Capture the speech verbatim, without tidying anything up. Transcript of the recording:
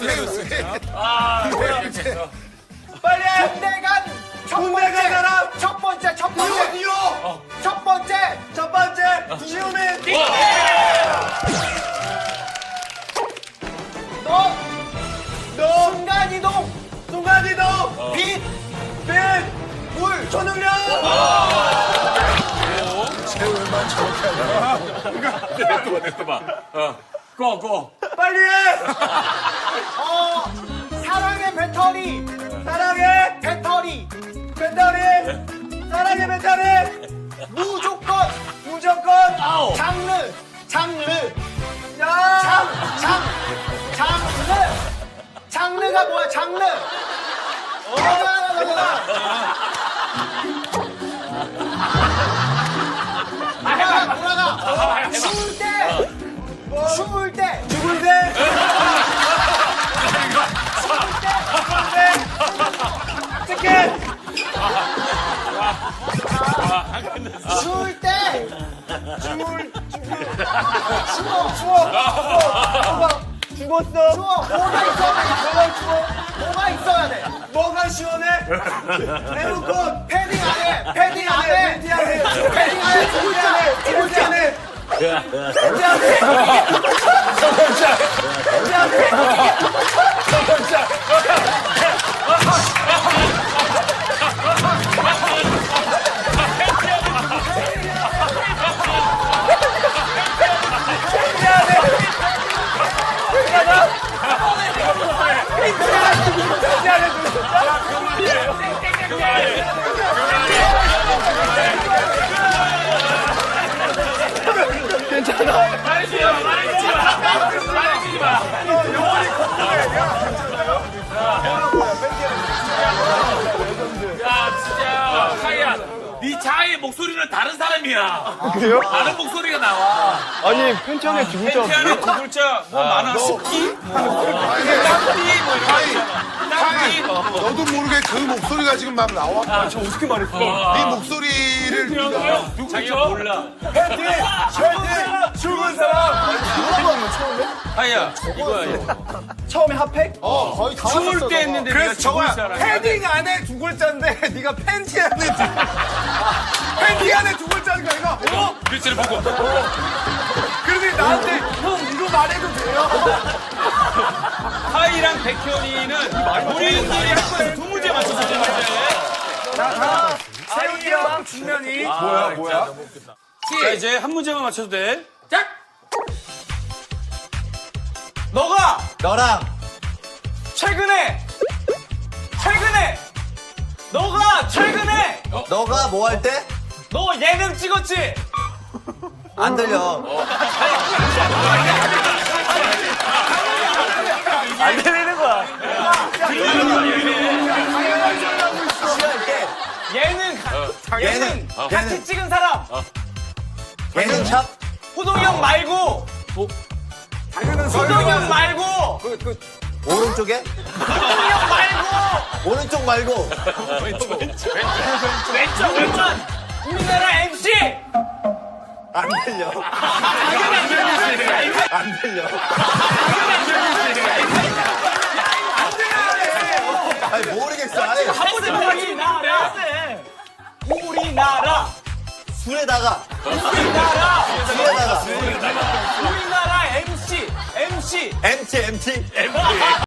아, 빨리 해! 군대 간 첫 군대 번째 간 사람! 첫 번째 첫 번째 이호! 이호! 첫 번째 첫 번째! 지우민! 너 너! 순간이동 순간이동! 빛 빛! 물! 초능력! 세월만 저렇게 하냐. 냈더봐, 냈더봐. 어, 고, 고. 빨리 해! 어, 사랑의 배터리 사랑해! 배터리 배터리! 사랑의 배터리! 무조건 무조건! 아우. 장르 장르 야! 장, 장, 장르 장르가 뭐야 장르 돌아가 돌아가 추울 때 추울 때 죽을 때! 치킨! 추울 때 죽을! 추워 추워! 죽었어! 추워 뭐가 있어야 돼 뭐가 추워? 뭐가 있어야 돼 뭐가 시원해? 에어컨! 패딩 안에 패딩 안에 팬티 안에! 패딩 안에 두 글자 두 팬티 글자 안에! 팬티 안에! 팬티 안에! 말해주지 마, 말해주지 마. 말해주지 마. 야, 진짜. 하이야, 네 자아의 목소리는 다른 사람이야. 그래요? 다른 목소리가 나와. 아니 팬티 안에 두 글자 팬티 안에 두 글자 뭐 많아. 스키? 뭐 땅띠 뭐 이런 거 있잖아. 땅띠 뭐. 너도 모르게 그 목소리가 지금 막 나와. 아, 저 어떻게 말했어? 네 목소리를 네가 자기가 몰라. 팬티! 팬티! 죽은 사람! 물어보는 거 처음에? 하이야, 이거야. 처음에 핫팩? 어 거의 다 추울 왔었어, 때 너가. 했는데 그래서 네가 죽을 저거야. 사람이야. 패딩 안에 두 글자인데 네가 팬티 안에 두 팬티 안에 두 글자인 거야 이거. 어? 글씨를 보고. 그런데 나한테 형 이거 말해도 돼요? 하이랑 백현이는 우리들이 할 거에서 두 문제 맞춰서 문제. 세훈이랑 준면이 뭐야, 뭐야? 자, 이제 한 문제만 맞춰도 돼. 자! 너가 너랑 최근에 최근에 너가 최근에 너가 뭐 할 때? 너 예능 찍었지? 안 들려. 안 들리는 거야. 예능 가- 예능 예능. 같이 찍은 사람 예능 샵? 호동형 말고 호동형 말고 오른쪽에? 호동형 말고 오른쪽 말고. 왼쪽 왼쪽 우리나라 엠씨 안 들려. 안 들려. 아니 모르겠어. 아니 한 번에 우리나라 우리나라 술에다가 우리나라 술에다가 우리나라 엠씨 엠씨 엠티 엠티.